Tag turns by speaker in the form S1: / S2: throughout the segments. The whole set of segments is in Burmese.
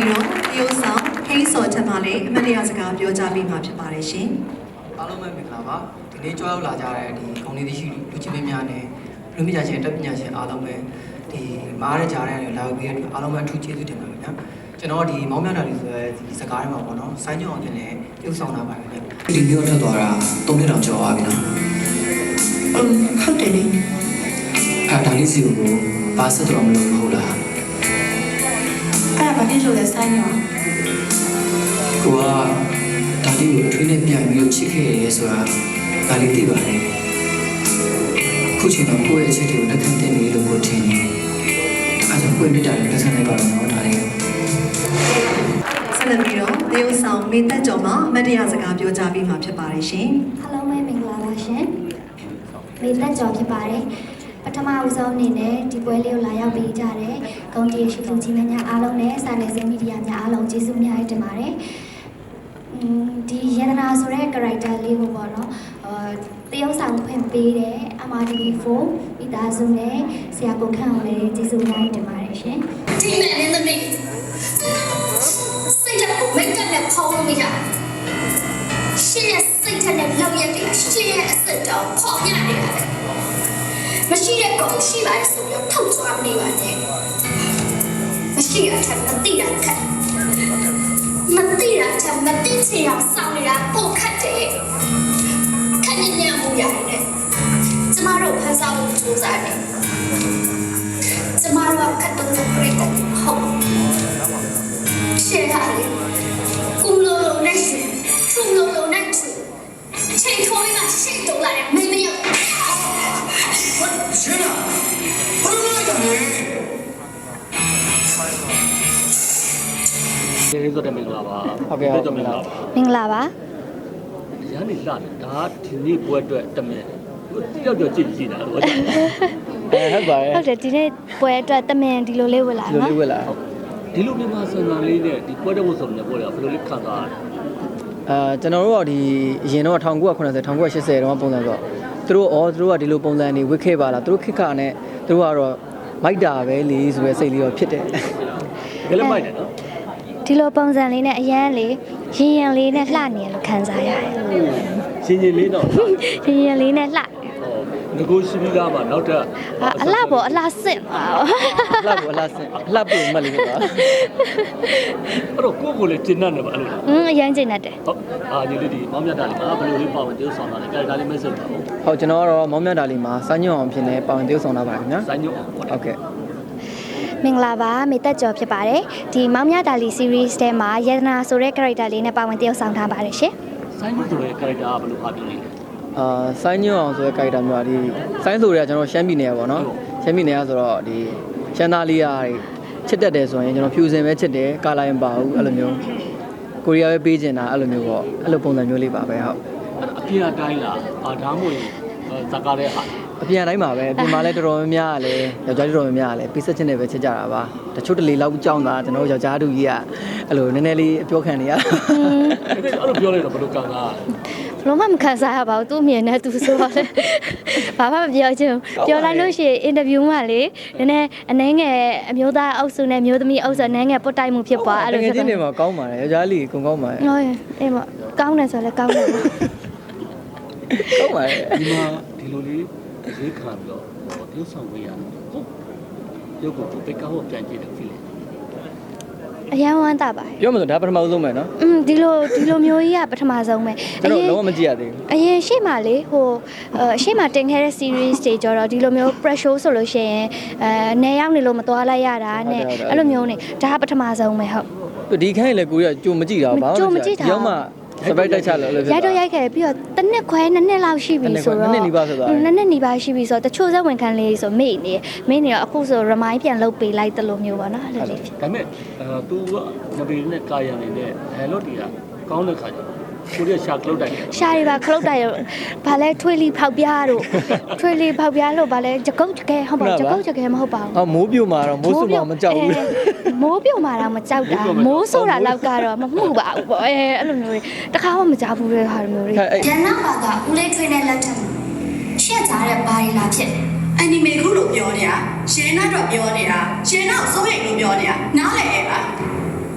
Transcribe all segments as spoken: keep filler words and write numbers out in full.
S1: ပြီးတော့ဒီဥဆောင်ဟိန်းစော်ထက်မှလည်းအမတ်တရားစကားပြောကြားပြီးမှဖြစ်ပါတယ်ရှင်
S2: အားလုံးပဲမင်္ဂလာပါဒီနေ့ကြွားရောက်လာကြတဲ့ဒီခေါင်းလေးရှိလူချင်းမင်းများနဲ့လူမိညာရှင်တက်ပညာရှင်အားလုံးပဲဒီမားရကြတဲ့လာရောက်ပြီးတဲ့အားလုံးပဲအထူးကျေးဇူးတင်ပါတယ်ဗျာကျွန်တော်ဒီမောင်မြတ်တာလေးဆိုရဲဒီစကားထဲမှာပေါ့နော်ဆိုင်းညောင်းအောင်လည်းပြုဆောင်လာပါတယ်ဗျာဒီမျိုးထွက်သွားတာသုံးနှစ်တောင်ကျော်သွားပြီနော်
S1: အင်းဟုတ်တယ်လေ
S2: အဲ့ဒါလေးစီကိုပါဆက်တော့မလို့မဟုတ်လား
S1: အဲ့ဒါဘာဖြစ်လို့လဲဆိုင်းညောင်း
S2: ကိုကဒါလေးကိုထွေးနဲ့ပြန်ပြီးချစ်ခဲ့ရဲဆိုတာဒါလေးသိပါတယ်ခုချိန်တော့ကိုယ့်ရဲ့အချက်တွေကိုလက်ခံတင်နေလို့ကိုထင်နေအဲဒါကိုယ့်မိတာတွေလက်ခံလိုက်ပါတော့နော်ဒါလေး
S1: ဆက်လက်ပြီးတော့ဒီဥဆောင်မေသက်ကျော်မှအမတ်တရားစကားပြောကြားပြီးမှဖြစ်ပါတယ်ရှင်
S3: အားလုံးပဲမင်္ဂလာပါရှင်မေသက်ကျော်ဖြစ်ပါတယ်ပထမဦးဆုံးအနေနဲ့ဒီပွဲလေးကိုလာရောက်ပေးကြတဲ့ဂုဏ်တရားရှိသူကြီးများအားလုံးနဲ့စာနယ်ဇင်းမီဒီယာများအားလုံးကျေးဇူးများတင်ပါတယ်ဒီယန္တနာဆိုတဲ့ character လေးကိုပေါ့နော်အာတရုပ်ဆောင်ဖွင့်ပေးတဲ့ အမ် အာร์ တီ ဗီ ဖိုး မိသားစုနဲ့ဆရာကိုခန့်အောင်လည်းကျေးဇူးများတင်ပါတယ်ရှင်
S4: ဒီမဲ့နေသမီးစိတ်ဓာတ်ကိုမိတ်ကပ်နဲ့ဖောင်းလို့မရရှင်းရဲ့စိတ်ဓာတ်နဲ့လောက်ရက်တွေကရှင်းရဲ့အစစ်တောင်ဖောင်းပြနေရတယ်မရှိတဲ့ကောင်ရှိပါလေဆိုတော့ထုတ်သွားနေပါနဲ့မရှိရတဲ့မသိတာခက်မသိတာချက်မသိချင်အောင်စောင့်နေတာပိုခက်တယ်ခက်ညံ့ညံ့မှုရတယ်ကျမတို့ဖန်ဆောင်မှုစူးစမ်းတယ်ကျမတို့ကတ်တော့ပြည့်တယ်ဟုတ်ရှင်းတာလေကုလိုလိုနဲ့ရှင်ထုံလိုလိုနဲ့ထုချိန်ထိုးရင်းကရှင်းတော့လာတယ်မင်းမရောက်
S2: ရှင်းလားဘာလို့လဲတာလဲ
S5: ကျေးဇူးတင်မင်္ဂလာပါ
S6: ဟုတ်ကဲ့ဟုတ်ကဲ့
S3: မင်္ဂလာပါ
S5: ရန်နေလာဒါဒီနေ့ပွဲအတွက်တမင်တိရောက်တော့ကြည့်ကြည့်တာဟုတ်တယ်
S6: အဲဟုတ်ပါတယ်
S3: ဟုတ်တယ်ဒီနေ့ပွဲအတွက်တမင်ဒီလိုလေးဝင်လာ
S6: နော်ဒီလိုလေးဝင်လာ
S5: ဒီလိုမြန်မာစံစာလေးနဲ့ဒီပွဲတဲ့ဝတ်စုံနဲ့ပွဲတယ်ဘယ်လိုလေးခံစားရလဲ
S6: အဲကျွန်တော်တို့ကဒီအရင်တော့၁၉၇၀ ၁၉၈၀တုန်းကပုံစံဆိုသူတို့ဩသူတို့ကဒီလိုပုံစံနေဝစ်ခဲ့ပါလားသူတို့ခက်ခါနဲ့သူတို့ကတော့မိုက်တာပဲလေဆိုရဲစိတ်လေးတော့ဖြစ်တယ်
S5: ဘယ်လိုမိုက်တယ်နော်
S3: ဒီလိုပုံစံလေးနဲ့အရန်လေးရင်ရင်လေးနဲ့လှနေရလို့ခံစားရတယ်
S5: ရှင်ရင်လေးတော့
S3: ရင်ရင်လေးနဲ့လှ
S5: ငကိုရှိပြီးသားမှာနောက်ထပ်
S3: အလှပေါ်အလှဆင့်ပါ
S6: အလှပေါ်အလှဆင့်အလှပေါ်မှတ်လေးပါ
S5: အဲ့တော့ကိုကိုလေးကျဉ်တ်နေပါအဲ့လို
S3: อืมအရန်ကျဉ်တ်တယ်
S5: ဟုတ်အာဒီလေးဒီမောင်မြတ်တာလေးမှာဘယ်လိုလေးပါဝင်တိုးဆောင်တာလဲကြာကြာလေးမဆက်ပါဘူး
S6: ဟုတ်ကျွန်တော်ကတော့မောင်မြတ်တာလေးမှာစိုင်းညွန့်အောင်ဖြစ်နေပါဝင်တိုးဆောင်တာပါခင်ဗျာ
S5: စိုင်းညွန့်အောင်
S6: ဟုတ်ကဲ့
S3: မင်္ဂလာပါမေသက်ကျော်ဖြစ်ပါတယ်ဒီမောင်မြတာလီ series ထဲမှာယန္တနာဆိုတဲ့ character လေးနဲ့ပါဝင်တယောက်ဆောင်ထားပါတယ်ရှင်
S5: စိုင်းညွန့်ဆိုတဲ့ character ကဘယ်လိုအားပြလဲ
S6: အာဆိုင်းညွန့်အောင်ဆိုတဲ့ character မျိုးဒီဆိုင်းဆိုတွေကကျွန်တော်ရှမ်းပြည်နယ်ပေါ့နော်ရှမ်းပြည်နယ်ကဆိုတော့ဒီရှမ်းသားလေးရာချစ်တတ်တယ်ဆိုရင်ကျွန်တော်ဖြူစင်ပဲချစ်တယ်ကာလာရင်ပါဘူးအဲ့လိုမျိုးကိုရီးယားပဲပေးချင်တာအဲ့လိုမျိုးပေါ့အဲ့လိုပုံစံမျိုးလေးပါပဲဟုတ်
S5: အပြင်အတိုင်းလားအာဒါမှမဟုတ်ဇာကားတဲ့ဟာ
S6: အပြင်အတိုင်းပါပဲအပြင်မှာလည်းတော်တော်များများကလည်းယောက်ျားတော်တော်များများကလည်းပေးဆက်ချင်းနဲ့ပဲချစ်ကြတာပါတချို့တလေလောက်ကြောင်းတာကျွန်တော်ယောက်ျားတူကြီးကအဲ့လိုနည်းနည်းလေးအပြောခံနေရ
S5: အဲ့လိုပြောလိုက်တော့ဘယ်လိုကန်ကား
S3: ဘလို့မှမခံစားရပါဘူးသူ့မြင်နဲ့သူဆိုတော့လေဘာမှမပြောချင်ပြောလိုက်လို့ရှိရင်အင်တာဗျူးမှာလေနည်းနည်းအနှဲငယ်အမျိုးသားအုပ်စုနဲ့မျိုးသမီးအုပ်စုနည်းငယ်ပုတ်တိုက်မှုဖြစ်သွား
S6: အဲ့လိုဖြစ်သွားတယ်ငယ်ချင်းတွေမှာကောင်းပါတယ်ယောက်ျားလေးကုန်ကောင်းပါတယ်
S3: ဟုတ်ရဲ့အေးမကောင်းတယ်ဆိုလည်းကောင်းတယ်
S6: ကောင်းပါတယ်
S5: ဒီမှာဒီလိုလေးရေးခံပြီးတော့တရုပ်ဆောင်ဝေးရဟုတ်ရုပ်ကိုပိတ်ကောက်ပြန်ကြည့်တယ်ဖြစ်လေ
S3: အရန်ဝမ်းတာပါ
S6: ပြောမှဆိုဒါပထမဆုံးပဲเนาะ
S3: อืมဒီလိုဒီလိုမျိုးကြီးကပထမဆုံးပဲ
S6: ကျွန်တော်လုံးဝမကြည့်ရသေးဘူး
S3: အရင်ရှေ့မှာလေဟိုအရှေ့မှာတင်ခဲ့တဲ့ series တွေကြတော့ဒီလိုမျိုး pressure ဆိုလို့ရှိရင်အဲနေရောက်နေလို့မသွားလိုက်ရတာနဲ့အဲ့လိုမျိုးနေဒါကပထမဆုံးပဲဟုတ်
S6: ဒီခိုင်းလေကိုရကြိုမကြည့်တာဘာလို့လဲရောက်မှစပိုက်တိုက်ချလို့လည်း
S3: ဖြစ်တာရိုက်တော့ရိုက်ခဲ့ပြီးတော့တစ်နှစ်ခွဲနှစ်နှစ်လောက်ရှိပြီဆိုတော့
S6: နှစ်နှစ်နီးပါးဆိုတော့
S3: နှစ်နှစ်နီးပါးရှိပြီဆိုတော့တချို့စက်ဝင်ခံလေးဆိုမေ့နေမေ့နေတော့အခုဆို remind ပြန်လုပ်ပေးလိုက်တယ်လို့မျိုးပါနော်အဲ့လိုလေး
S5: ဒါပေမဲ့အဲ तू ကမပီနဲ့ကာယံနေတဲ့ dialogue တွေကကောင်းတဲ့ခါကျကိုရီးယားရှာကလုတ်တိုက်
S3: ရှာတွေပါခလုတ်တိုက်ရောဘာလဲထွေးလီဖောက်ပြားတို့ထွေးလီဖောက်ပြားလို့ဘာလဲကြကုတ်ကြခဲဟုတ်ပါကြကုတ်ကြခဲမဟုတ်ပါဘူး
S6: အော်မိုးပြိုမှာတော့မိုးဆူမှာမကြောက်ဘူး
S3: မိုးပြိုမှာတော့မကြောက်တာမိုးဆိုတာလောက်ကတော့မမှုပါဘူးပေါ့အဲအဲ့လိုမျိုးတွေတခါမှမကြောက်ဘူးတဲ့ဟာမျိုးတွေ
S4: ရန်နာပါကဦးလေးထွေးနဲ့လက်ထက်ရှက်ကြတဲ့ဘာတွေလာဖြစ်လဲအနီမေခုလို့ပြောနေတာရှင်းနာတော့ပြောနေတာရှင်းတော့စိုးရိမ်လို့ပြောနေတာနားလည်ရဲ့လားဘာ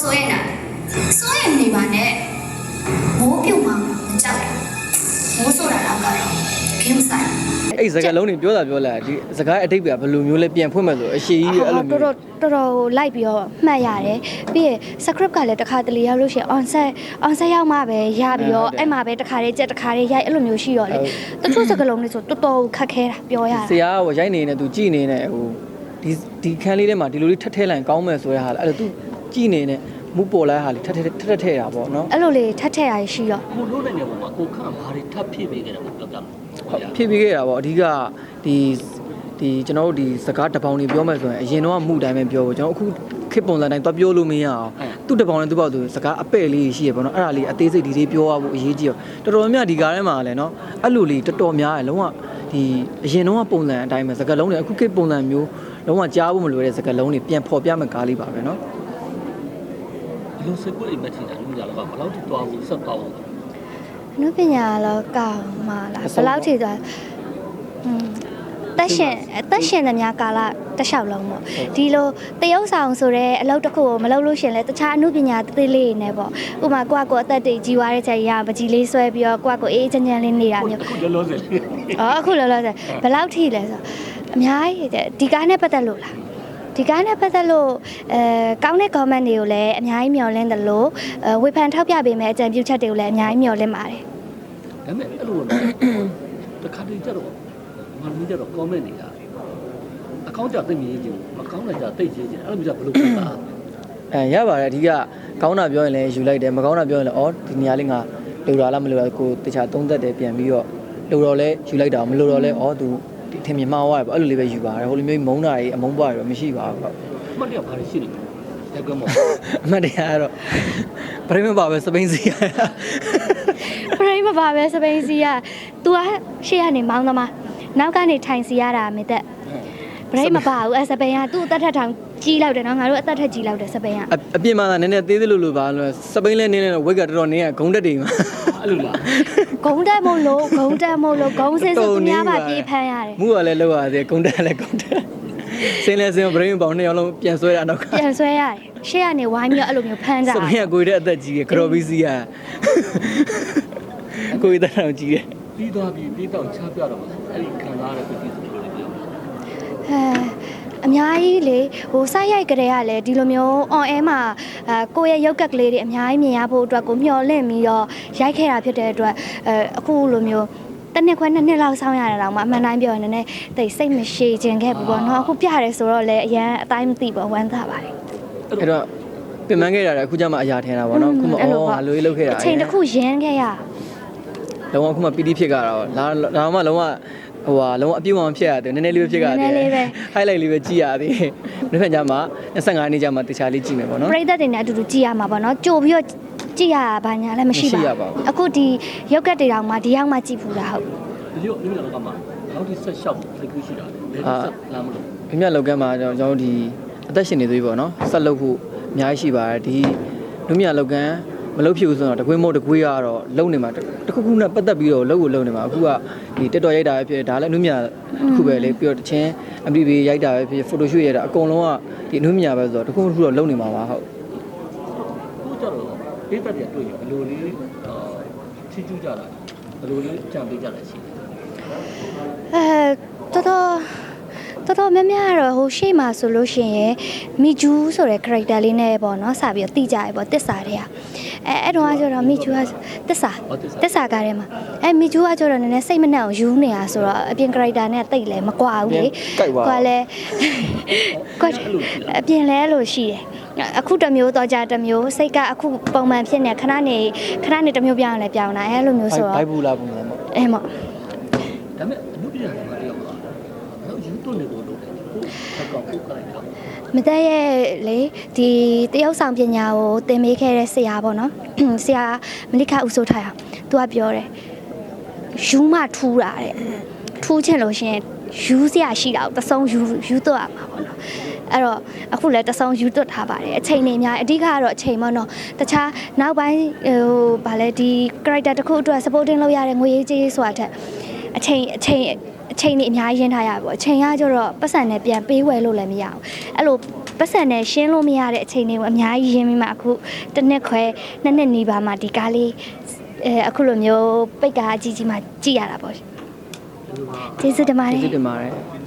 S4: ဆိုရင်လားဆိုရင်နေပါနဲ့မိုးပြုတ်မှမကြောက်ဘူးမိုးဆိုတာတော့ကတော့ဂိမ်းဆိုင်
S6: အဲ့စကားလုံးတွေပြောတာပြောလာဒီစကားအတိတ်ကဘယ်လိုမျိုးလဲပြန်ဖွင့်မယ်ဆိုအရှိကြီးအဲ့လို
S3: တော်
S6: မျိုး
S3: တော်တော်တော်လိုက်ပြီးတော့မှတ်ရတယ်ပြီးရင် script ကလည်းတစ်ခါတလေရောက်လို့ရှိရင် on set on set ရောက်မှပဲရပြီးတော့အဲ့မှာပဲတစ်ခါလေးကြက်တစ်ခါလေးရိုက်အဲ့လိုမျိုးရှိတော့လေတချို့စကားလုံးတွေဆိုတော်တော်ခက်ခဲတာပြောရတာ
S6: ဆရာကရိုက်နေနေသူကြည်နေနေဟိုဒီဒီခန်းလေးထဲမှာဒီလိုလေးထက်ထဲလိုက်ကောင်းမယ်ဆိုရဟာအဲ့လိုသူကြည်နေနေမူပေါ်လာဟာလေးထက်ထက်ထက်ထဲတာပေါ့နော်
S3: အဲ့လိုလေးထက်ထက်ရရှိတော့
S5: ကိုလို့နိုင်တဲ့ပုံမှာကိုခန့်ဘာတွေထပ်ဖြည့်ပေးခဲ့တယ်ကိုပြောပြမယ်
S6: ဖြည့်ပေးခဲ့တာပေါ့အဓိကဒီဒီကျွန်တော်တို့ဒီစကားတပေါင်းတွေပြောမယ်ဆိုရင်အရင်တော့မှုတိုင်းပဲပြောဖို့ကျွန်တော်အခုခေတ်ပုံစံတိုင်းသွားပြောလို့မရအောင်သူ့တပေါင်းနဲ့သူ့ပေါက်သူစကားအပဲ့လေးရှိရပေါ့နော်အဲ့ဒါလေးအသေးစိတ်ဒီလေးပြောရဖို့အရေးကြီးတော့တော်တော်များများဒီကားထဲမှာလည်းနော်အဲ့လိုလေးတော်တော်များတယ်လုံးဝဒီအရင်တော့ပုံစံအတိုင်းပဲစကားလုံးတွေအခုခေတ်ပုံစံမျိုးလုံးဝကြားဖို့မလိုတဲ့စကားလုံးတွေပြန်ဖော်ပြမဲ့ကားလေးပါပဲနော်
S5: ဒီလိုစိတ်ကိုအိမ်မက်ချင်တာလူကြတော့ဘယ်လောက်ထိတွားဖို့ဆက်တော့
S3: နုပညာလောကမှာလားဘယ်လောက်ထိသွားอืมတက်ရှင်တက်ရှင်သမျှကာလတစ်လျှောက်လုံးပေါ့ဒီလိုတရုပ်ဆောင်ဆိုတဲ့အလုပ်တစ်ခုကိုမလုပ်လို့ရှင်လဲတခြားအမှုပညာသေးလေးတွေနဲ့ပေါ့ဥပမာကိုကကိုအသက်တွေကြီးွားတဲ့ချိန်ရပကြီးလေးဆွဲပြီးတော့ကိုကကိုအေးချမ်းချမ်းလေးနေတာမျိုး
S5: အခုလောလောဆယ်
S3: အော်အခုလောလောဆယ်ဘယ်လောက်ထိလဲဆိုအများကြီးဒီကားနဲ့ပတ်သက်လို့လားဒီကားနဲ့ပတ်သက်လို့အဲကောင်းတဲ့ comment တွေကိုလည်းအများကြီးမျှော်လင့်တယ်လို့အဲဝေဖန်ထောက်ပြပေးမယ်အကြံပြုချက်တွေကိုလည်းအများကြီးမျှော်လင့်ပါတယ်
S5: ဒါပေမဲ့အဲ့လိုတခါတည်းကျတော့မင်းကြတော့ comment နေတာအကောင့်ကြသိမြင်ချင်းမကောင်းတဲ့ကြသိချင်းချင်းအဲ့လိုမျိုးဘယ်လိုဖြစ်တာ
S6: အဲရပါတယ်အဓိကကောင်းတာပြောရင်လည်းယူလိုက်တယ်မကောင်းတာပြောရင်လည်းအော်ဒီနေရာလေးငါလိုတာလားမလိုတာကိုတခြားသုံးသက်တယ်ပြန်ပြီးတော့လိုတော့လဲယူလိုက်တာမလိုတော့လဲအော်သူထင်မြင်မှားသွားတယ်ပေါ့အဲ့လိုလေးပဲယူပါတယ်ဟိုလိုမျိုးမုန်းတာကြီးအမုန်းပွားတွေတော့မရှိပါဘူးဟုတ်
S5: အမှတ်တရဘာတွေရှိနေလဲရက်ကမော
S6: အမှတ်တရကတော့ပရိမပါပဲစပိန်စီရ
S3: ပရိမပါပဲစပိန်စီက तू ကရှေ့ကနေမောင်းသမားနောက်ကနေထိုင်စီရတာမေသက်ပရိမပါဘူးအဲစပိန်က तू အသက်ထက်ထောင်ကြီးလောက်တယ်နော်ငါတို့အသက်ထက်ကြီးလောက်တယ်စပိန်ကအ
S6: အပြင်မှာနည်းနည်းသေးသေးလို့လို့ပါလို့စပိန်လဲနည်းနည်းဝက်ကတော်တော်နည်းကဂုံတက်တွေမှာ
S5: အဲ့လိုလား
S3: ဂုံတက်မို့လို့ဂုံတက်မို့လို့ဂုံစင်းဆိုသူများပါပြေးဖမ်းရတယ်
S6: မူကလည်းလောက်ရတယ်ဂုံတက်လည်းဂုံတက်စင်းလဲစင်းပရိမပေါင်းနှစ်ယောက်လုံးပြန်ဆွဲတာနောက်က
S3: ပြန်ဆွဲရတယ်ရှေ့ကနေဝိုင်းပြီးတော့အဲ့လိုမျိုးဖမ်းကြ
S6: စပိန်ကကိုရတဲ့အသက်ကြီးကကတော်ဘီစီကကိုရတဲ့တော်ကြီးတယ်
S5: ပြီးသွားပြီးပြီးတော့ချပြတော့အဲ့ဒီခံစားရတဲ့ပြည်သူတွေလည်းပြော
S3: အဲအများကြီးလေဟိုစိုက်ရိုက်ကလေးကလည်းဒီလိုမျိုး on air မှာအဲကိုယ့်ရဲ့ရုပ်ကက်ကလေးတွေအများကြီးမြင်ရဖို့အတွက်ကိုမျှော်လင့်ပြီးတော့ရိုက်ခဲ့တာဖြစ်တဲ့အတွက်အဲအခုလိုမျိုးတစ်နှစ်ခွဲနှစ်နှစ်လောက်ဆောင်းရတာတော့မှအမှန်တိုင်းပြောရင်လည်းတိတ်စိတ်မရှိခြင်းခဲ့ဘူးပေါ့နော်အခုပြရတယ်ဆိုတော့လည်းအရန်အတိုင်းမသိပေါ့ဝမ်းသာပါတယ်
S6: အဲ့တော့ပြင်ပန်းခဲ့တာလည်းအခုကျမှအရာထင်တာပေါ့နော်အခုမှအော်အလိုကြီးလုပ်ခဲ့တာ
S3: အချိန်တစ်ခုရင်းခဲ့ရ
S6: လုံးဝအခုမှပီတိဖြစ်ကြတာတော့လာလာမှလုံးဝဟိုဟာလုံးဝအပြည့်အဝဖြစ်ရတယ်နည်းနည်းလေးပဲဖြစ်ရတယ် highlight လေးပဲကြည့်ရသေးတယ်နေ့ဖက်ကြမှာยี่สิบห้าနေ့ကြမှာတခြားလေးကြည့်မယ်ပေါ့နော်
S3: ပရိသတ်တွေနဲ့အတူတူကြည့်ရမှာပေါ့နော်ကြိုပြီးတော့ကြည့်ရဘာညာလည်းမရှိပါဘူးအခုဒီရုပ်ကက်တွေတောင်မှဒီရောက်မှကြည့်ဖူးတာဟုတ်
S5: ဒီလိုလူမျိုးတော့ကမှနောက်ဒီဆက်လျှောက်ဖိတ်ကူးရှိတာလေဘယ်ဆက်လာမလို့
S6: ပြမြလောက်ကမ်းမှာကျွန်တော်တို့ဒီအသက်ရှင်နေသေးပြီပေါ့နော်ဆက်လုပ်ဖို့အများကြီးရှိပါတယ်ဒီလူမြလောက်ကမ်းမလုပ်ဖြစ်ဘူးဆိုတော့တကွင်းမို့တကွေးကတော့လုံနေမှာတခုခုနဲ့ပတ်သက်ပြီးတော့လုံကိုလုံနေမှာအခုကဒီတက်တော်ရိုက်တာပဲဖြစ်ဒါလည်းလူမြတစ်ခုပဲလေပြီးတော့တချင်း M D B ရိုက်တာပဲဖြစ် photo shoot ရိုက်တာအကုန်လုံးကဒီလူမြပဲဆိုတော့တခုခုတော့လုံနေမှာပါဟုတ်
S5: ကိုကြတော့ပေးသက်တယ်တွေ့ရင်ဘယ်လိုလေးချီးကျူးကြတာဘယ်လိုလေးကြံပေးကြတာရှိလဲ
S3: အဲတော်တော်တော်တော်များများကတော့ဟိုရှေ့မှာဆိုလို့ရှိရင်မီဂျူးဆိုတဲ့ character လေးနဲ့ပေါ့နော်စပြီးတော့တိကြရပေါ့တစ္ဆာတွေကအဲအဲ့တော့ကျတော့မီဂျူးကတစ္ဆာတစ္ဆာကားထဲမှာအဲမီဂျူးကကျတော့နည်းနည်းစိတ်မနှံ့အောင်ယူနေတာဆိုတော့အပြင် character နဲ့တိတ်လဲမကွာဘူးလေကွာလဲကွာအပြင်လဲလို့ရှိတယ်အခုတစ်မျိုးတော့ကြတစ်မျိုးစိတ်ကအခုပုံမှန်ဖြစ်နေခဏနေခဏနေတစ်မျိုးပြောင်းလဲပြောင်းတာအဲလိုမျိုးဆိုတော့
S6: ဘိုက်ဘူးလားပုံစံပေါ့
S3: အဲမော့
S5: ဒါပေမဲ့အမှုပြရတယ်မတရားဘူးတော့ယူသွနေလို့လို့တယ်ကိုဆက်ကောက်ကိုကြိုက်တာ
S3: မတက်ရဲ့လေဒီတရုတ်ဆောင်ပညာကိုသင်ပေးခဲ့တဲ့ဆရာပေါ့နော်ဆရာမလိခဦးစိုးထားအောင်သူကပြောတယ်ယူမထူးတာတဲ့ထူးချင်လို့ရှင်ယူစရာရှိတာကိုတဆုံးယူယူတော့ရမှာပေါ့နော်အဲ့တော့အခုလည်းတဆုံးယူတွတ်ထားပါတယ်အချိန်နေများအဓိကကတော့အချိန်ပေါ့နော်တခြားနောက်ပိုင်းဟိုဗာလဲဒီ character တစ်ခုအတွက် supporting လုပ်ရတဲ့ငွေရေးကြေးဆိုတာတက်အချိန်အချိန်အချိန်นี่အများကြီးရင်းထားရပါဘောအချိန်ကကျတော့ပတ်စံနဲ့ပြန်ပေးဝယ်လို့လည်းမရဘူးအဲ့လိုပပတ်စံနဲ့ရှင်းလို့မရတဲ့အချိန်တွေကိုအများကြီးရင်းပြီးမှအခုတစ်နှစ်ခွဲနှစ်နှစ်နီးပါးမှဒီကားလေးအဲအခုလိုမျိုးပိတ်ကားအကြီးကြီးမှကြည့်ရတာပေါ့ကျေးဇူးတင်ပါတယ်
S6: ကျေးဇူးတင်ပါတယ်